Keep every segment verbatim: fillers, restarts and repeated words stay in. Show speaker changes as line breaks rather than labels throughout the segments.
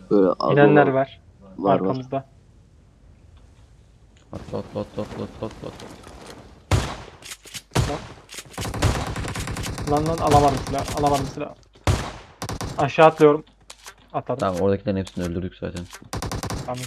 Böyle az
İnenler
olan
var
var var.
arkamızda.
Atla atla atla atla atla atla. atla.
Lan lan, lan alamadım silah. Alamadım silah. Aşağı atlıyorum. Atladım.
Tamam, oradakilerin hepsini öldürdük zaten.
Tamam.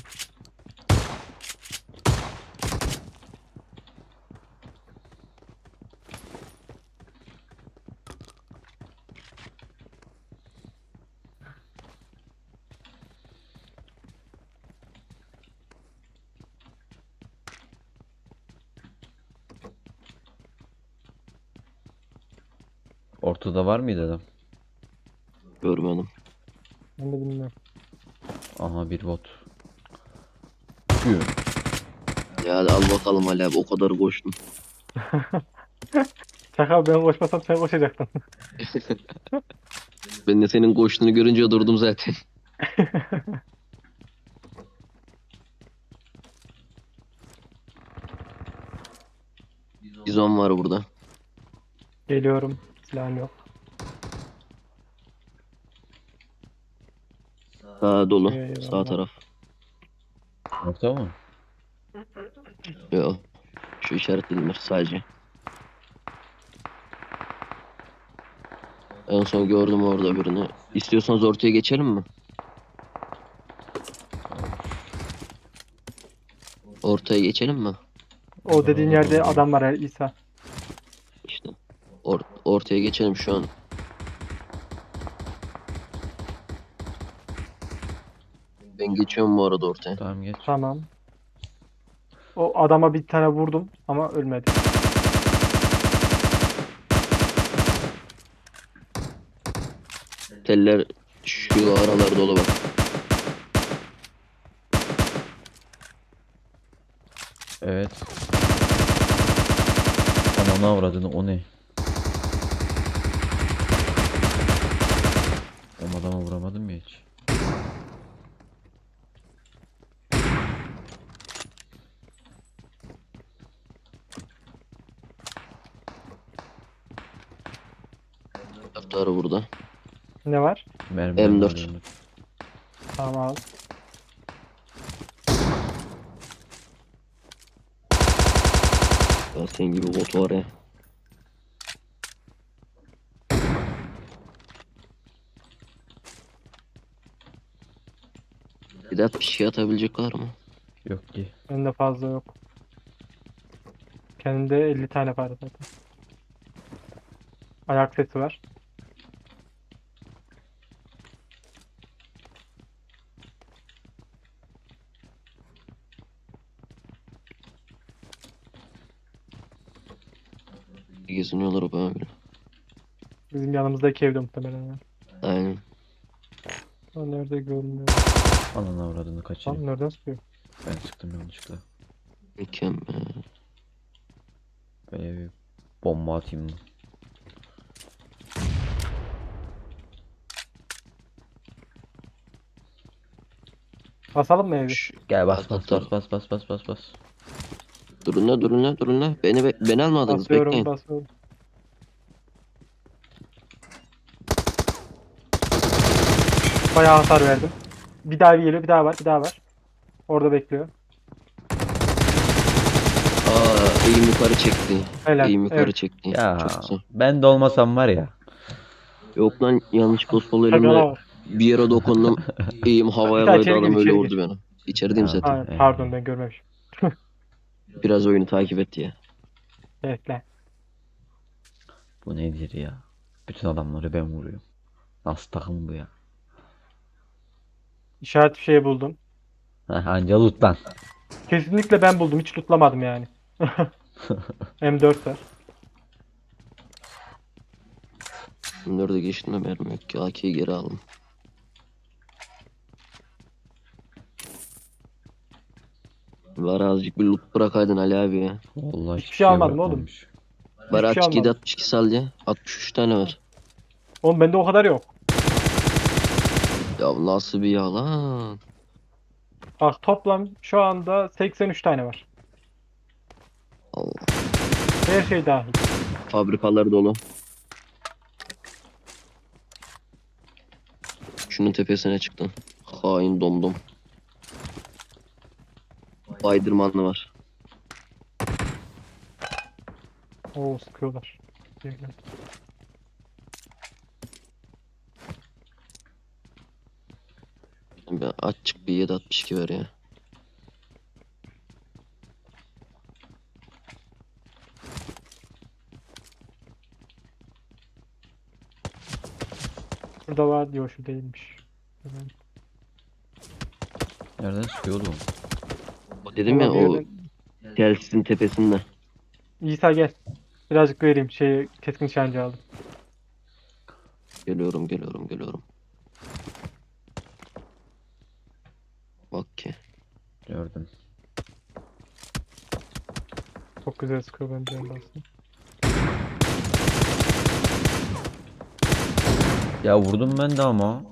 Ortada var mıydı adam?
Görmedim.
Ben de bilmiyorum.
Aha, bir bot. Güm.
Ya hadi al bakalım Ali abi, o kadar koştun.
Çakal, ben koşmasam sen koşacaktın.
Ben de senin koştuğunu görünce durdum zaten. Bizon var burada.
Geliyorum. Silahım yok.
Sağ dolu. Sağ
Eyvallah.
taraf.
Orta mı?
Yok. Şu işaretledim sadece. En son gördüm orada birini. İstiyorsanız ortaya geçelim mi? Ortaya geçelim mi?
O dediğin yerde adam var, İsa.
İşte. Or ortaya geçelim şu an. Ben geçiyorum bu arada ortaya.
Tamam, geç.
Tamam. O adama bir tane vurdum ama ölmedi.
Teller şu aralarda dolu bak.
Evet. Ananı avradını, o ne? O adama vuramadım ya hiç.
Taraftarı burada.
Ne var?
Mermilerini
M dört.
alıyorum.
Tamam al.
Ya senin gibi bot var ya. Bir daha bir şey atabilecek var mı?
Yok ki.
Bende fazla yok. Kendimde elli tane var zaten. Ayak sesi var.
Geziniyorlar o böyle.
Bizim yanımızdaki evde muhtemelen ya.
Aynen.
O nerede görünmüyor.
Ananı avradını kaçırayım.
Tam nereden sıkıyor?
Ben çıktım yanlışlıkla.
Mükemmel.
Böyle bir bomba atayım mı?
Basalım mı evi?
Şş,
Gel, bas
at,
bas
at,
bas
at.
bas bas bas bas bas.
Durun la durun la durun la. Beni be beni almadınız,
Basıyorum
bekleyin.
basıyorum. Bayağı hasar verdim. Bir daha geliyor, bir daha var, bir daha var. Orada bekliyor.
Aa, eğim yukarı çekti.
Helal.
Eğim yukarı
Evet.
çekti.
Ya
Çok güzel.
ben de olmasam var ya.
Yok lan, yanlışlıkla sol elimle
Çakala bak.
bir yere dokundum. Eğim havaya
İsa
kaydı,
içeri gir,
adam öyle
içeri gir.
vurdu beni. İçerideyim
Ya,
zaten.
Ha,
e,
pardon ben görmemişim.
Biraz oyunu takip etti ya.
Bekle.
bu nedir ya? Bütün adamları ben vuruyorum. Nasıl takım bu ya?
İşaret bir şey buldum.
Heh, anca loot lan.
Kesinlikle ben buldum. Hiç lootlamadım yani. M dört var.
Bunları da geçtim de mermi yok ki. A K'yi geri aldım. Var, azıcık bir loot bırakaydın Ali abi ya.
Vallahi
Hiçbir
hiçbir
şey
şey
almadım oğlum.
bırakmamış.
Bari
Hiçbir şey
açık yedi
almadım.
altmış iki sal ya. altmış üç tane var.
Oğlum bende o kadar yok.
Ya nasıl bir yalan.
Bak toplam şu anda seksen üç tane var.
Allah.
Her şey dahil.
Fabrikalar dolu. Şunun tepesine çıktım. Hain domdom. Baydırmanlı var.
Oo sıkıyorlar. Geliyor.
Bir açık bir yedi altmış iki ver ya.
Şurada var diyor, şu değilmiş. Hemen.
Nereden sıkıyor oğlum?
O dedim
Valla
ya
bir
o
yerden...
telsizin tepesinde.
İsa gel. Birazcık vereyim. Şey, keskin nişancı aldım.
Geliyorum geliyorum geliyorum. Bak ki.
Gördüm.
Çok güzel sıkıyor bence aslında.
Ya vurdum ben de ama.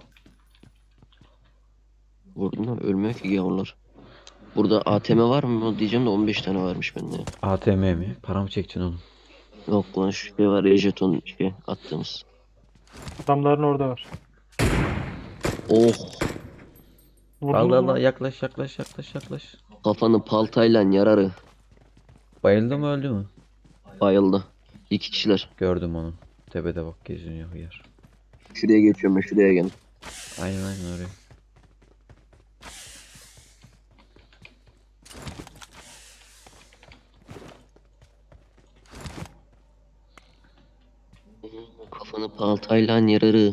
Vurdum da ölmüyor ki gavurlar. Burada A T M var mı diyeceğim de on beş tane varmış bende.
A T M mi? Para mı çekeceksin oğlum?
Yok lan şu şey var ya jeton şey attığımız.
Adamların orada var.
Oh
Vurdunuz
Allah
mu
Allah,
lan?
yaklaş yaklaş yaklaş yaklaş.
kafanı paltayla yararı.
Bayıldı mı öldü mü?
Bayıldı. İki kişiler.
Gördüm onu. Tepede bak geziniyor hıyar.
Şuraya geçiyorum ben şuraya gel.
Aynen aynen oraya.
Kafanı paltayla yararı.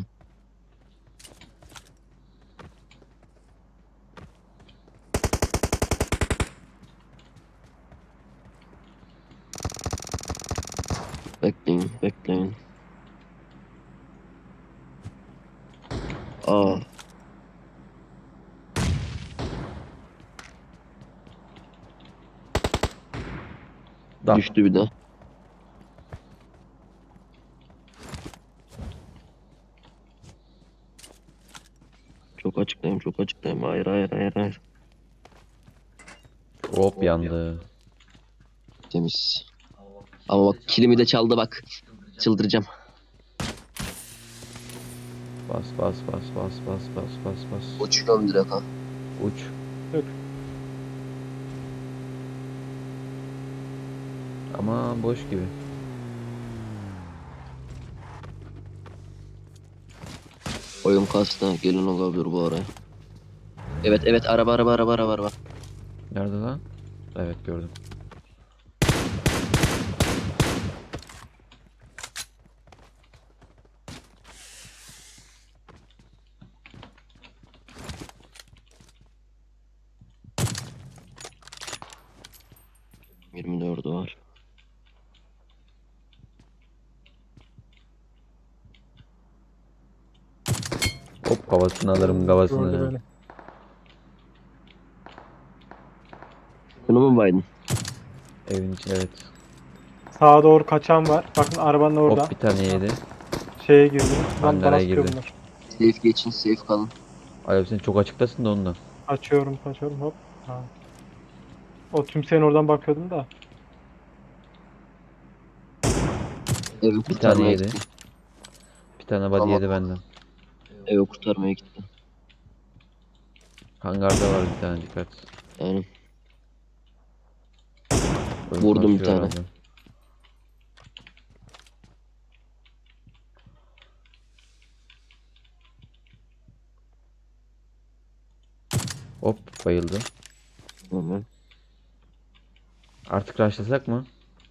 Bekleyin bekleyin. Aa
Da.
düştü bir de. Çok açıklayayım çok açıklayayım. Hayır hayır hayır hayır.
Hop yandı.
Temiz. Ama bak kilimi de çaldı bak. Çıldıracağım.
Bas bas bas bas bas bas bas bas.
Uçuyorum direkt ha.
Uç.
Yok.
Ama boş gibi.
Oyun kastı. Gelin olabilir bu araya. Evet evet araba araba araba araba araba.
Nerede lan? Evet gördüm.
yirmi dördü var.
Hop kafasını alırım
Gördü
kafasını.
beni.
Bunu mu baydın?
Evin içi evet.
Sağa doğru kaçan var. Bakın arabanın orada.
Hop bir tane yedi.
Şeye girdi. Lan
Hangara
bana sıkıyor
girdi.
bunlar.
Safe geçin safe kalın.
Alev sen çok açıktasın da ondan.
Açıyorum kaçıyorum hop. Ha. O tümseyin oradan bakıyordum da.
Evi
Bir tane
kurtarmaya
yedi.
gittim.
Bir tane body
Tamam.
yedi benden.
Evi kurtarmaya gittim.
Hangarda var bir tane dikkat.
Yani
Oyun
Vurdum bir
kasıyor
tane.
herhalde. Hop bayıldı.
normal.
Artık rushlasak mı?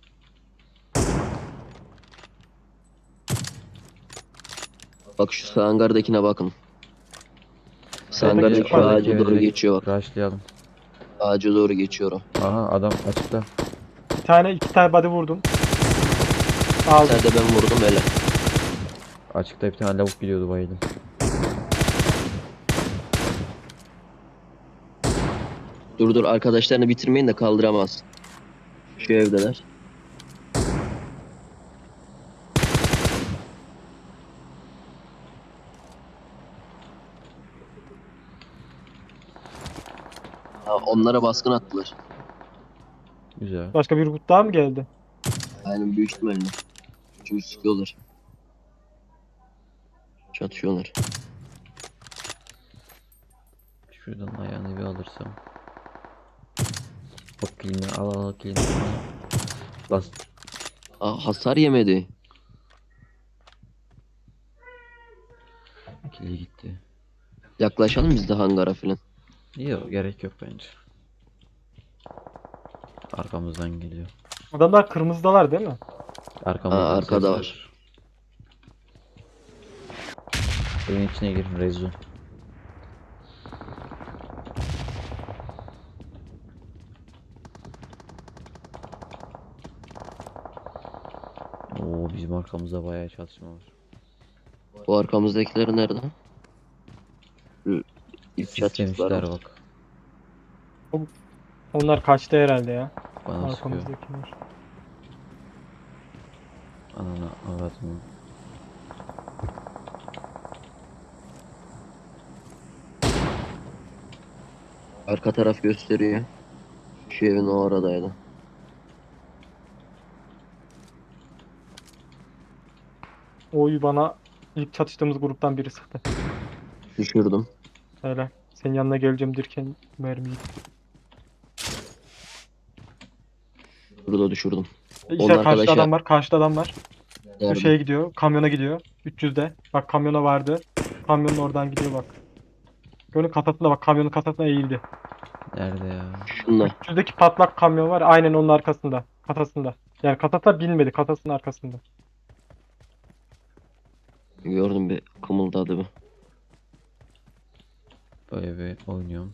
Bak şu sağ hangardakine bakın. Sağ
Sağdaki
hangardaki şu
çıkmadı.
Sağdaki
ağaca doğru
direkt
geçiyor bak.
rushlayalım.
Ağaca doğru geçiyor o.
Aha adam açıkta.
Bir tane iki tane body vurdum. Aldım.
Sen de ben vurdum hele.
Açıkta bir tane lavuk gidiyordu bayıldım.
Dur dur arkadaşlarını bitirmeyin de kaldıramaz. Şu evdeler. Ha, onlara baskın attılar.
Güzel.
Başka bir grup daha mı geldi?
Aynen büyük ihtimalle. Çünkü sıkıyorlar. Çatışıyorlar.
Şuradan ayağını bir alırsam. Bak kilini al al al kilini. Bas.
Aa, hasar yemedi.
Kili gitti.
Yaklaşalım biz de hangara filan.
Yok gerek yok bence. Arkamızdan geliyor.
Adamlar kırmızıdalar değil mi?
Arkamızdan
Aa,
ses
arkada var.
var. Evin içine girin Rezu. Oo bizim arkamızda bayağı çatışma var.
Bu arkamızdakiler nerede? Şu İlk çatıştılar
Sislemişler
mı?
bak.
Onlar kaçtı herhalde ya.
Bana sıkıyor.
Arkamızdakiler.
Ananı avradını.
Arka taraf gösteriyor. Şu evin o aradaydı.
Oy bana ilk çatıştığımız gruptan biri sıktı.
Düşürdüm.
Öyle. Senin yanına geleceğim derken mermiyi.
Burada düşürdüm.
E,
Onun
İşte karşıda
arkadaşı
adam var. Karşıda adam var. Bu şeye
nerede?
gidiyor. Kamyona gidiyor. üç yüzde. Bak kamyona vardı. Kamyonun oradan gidiyor bak. Gölün kasasında bak. Kamyonun kasasına eğildi.
Nerede ya?
Şunda.
üç yüzdeki patlak kamyon var. Aynen onun arkasında. Kasasında. Yani kasasına binmedi. Kasasının arkasında.
Gördüm bir kımıldadı bir.
Böyle bir oynuyorum.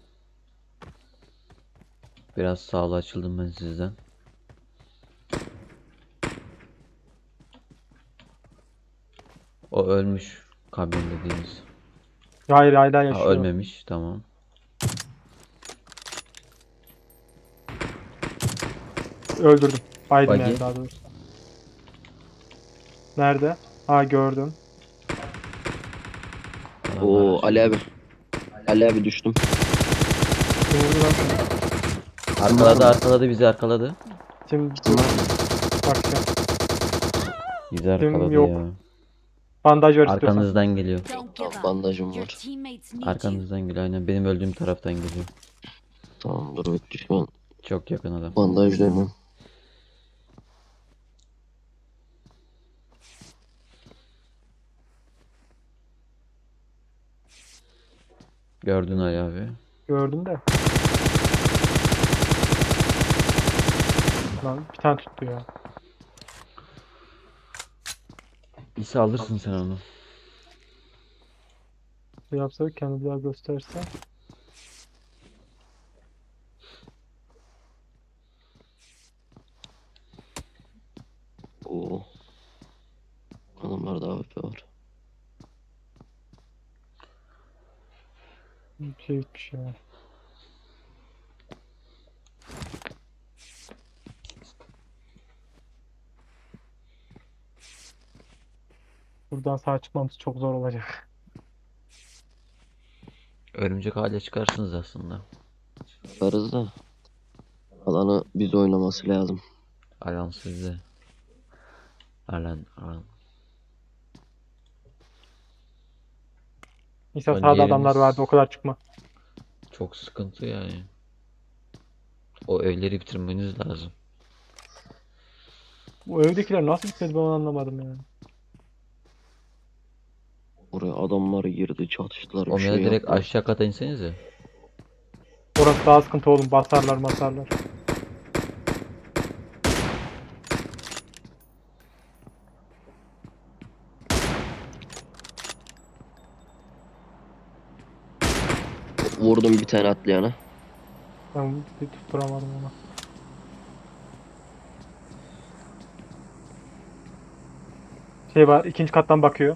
Biraz sağlı açıldım ben sizden. O ölmüş. Kamyon dediğimiz.
Hayır hala
Ha
yaşıyor.
ölmemiş. Tamam.
Öldürdüm. Biden
Buggy.
yani daha doğrusu. Nerede? Ha gördüm.
Adamlar
Oo
açıldı.
Ali abi. Ali abi düştüm.
Kim vurdu lan seni?
Arkaladı arkaladı bizi arkaladı.
Kim
Kim var mı?
bakacağım.
Bizi arkaladı
yok.
ya.
Bandaj ver istiyorsan.
Arkanızdan geliyor.
Don't give up.
Bandajım
Your
var.
teammates need you.
Arkanızdan geliyor. Aynen benim öldüğüm taraftan geliyor.
Tamam dur bekle şu an.
Çok yakın adam.
Bandaj dönüyorum.
Gördün Ali abi.
Gördüm de. Lan bir tane tuttu ya.
İsa alırsın sen onu.
Şey yapsa kendini daha gösterse.
Oo. Adamlarda A W P var.
Bir şey gitmiş ya. Buradan sağ çıkmamız çok zor olacak.
Örümcek hale çıkarsınız aslında.
Varız da. Alanı biz oynaması lazım.
Alan sizde. Alan alan.
İnsan
Önce
sağda adamlar
yerimiz-
vardı o kadar çıkma.
Çok sıkıntı yani. O evleri bitirmeniz lazım.
Bu evdekiler nasıl bitmedi ben onu anlamadım yani.
Oraya adamlar girdi çatıştılar bir
Onlara
şey
direkt
yaptılar.
aşağı kata insenize.
Orası daha sıkıntı oğlum. Basarlar masarlar.
Vurdum bir tane atlayana.
Ben bir tutturamadım onu. Şey var ikinci kattan bakıyor.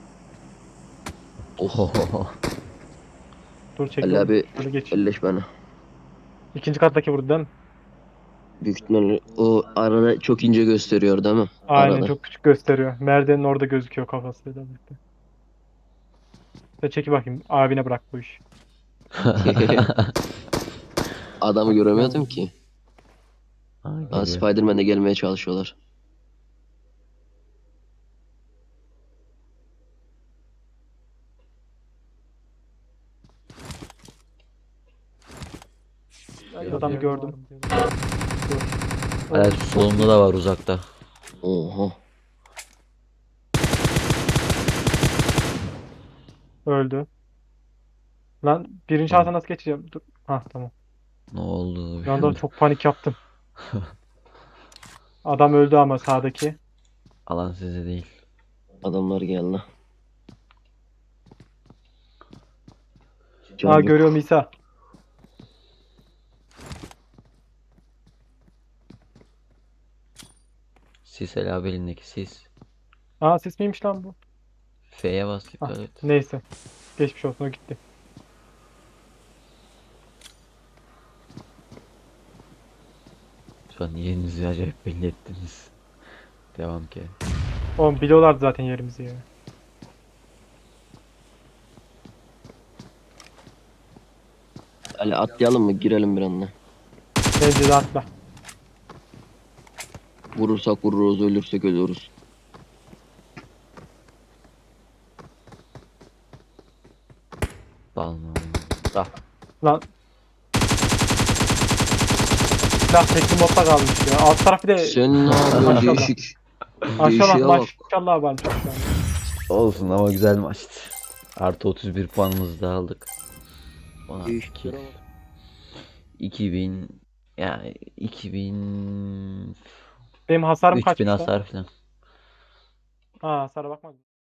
Oh.
Dur
Ali
çekiyorum.
abi
Şöyle geç.
elleş bana.
İkinci kattaki vurdu değil mi?
Büyük ihtimalle o arada çok ince gösteriyor değil mi?
Aynen
Arada.
çok küçük gösteriyor. Merdivenin orada gözüküyor kafasıyla birlikte. Sen çeki bakayım. Abine bırak bu işi.
Adamı göremiyordum ki.
Ha,
Aa,
geliyor.
Spider-Man'e gelmeye çalışıyorlar.
Adamı gördüm.
Hala solumda da var uzakta.
Oha.
Öldü. Lan birinci
Tamam.
şahsa nasıl geçeceğim? Dur. Hah tamam.
Ne oldu?
Bir anda çok panik yaptım. Adam öldü ama sağdaki.
Alan size değil.
Adamlar geldi. Can
Aa
yok.
görüyorum İsa.
Sis Ela belindeki sis.
Aa ses miymiş lan bu?
F'ye bas
Ah,
dikkat et.
neyse. Geçmiş olsun o gitti.
Şu an yerinizi acayip belli ettiniz. Devam ki.
Oğlum biliyorlardı zaten yerimizi ya.
Ali atlayalım mı? Girelim bir anda.
Bence de atla.
Vurursak vururuz, ölürsek ölürüz.
Dalma. Da.
Lan. Silah tekli modda kalmış ya. Alt taraf bir de
Sen ne yapıyorsun?
Maşallah.
Değişik.
maşallah
Değişiğe bak.
maşallah varmış şu an.
Olsun ama güzel maçtı. Artı otuz bir puanımızı da aldık. Ona
Değişik.
kill. iki bin yani iki bin
Benim hasarım
üç bin
kaçmış lan?
hasar falan.
Aa hasara bakmadım.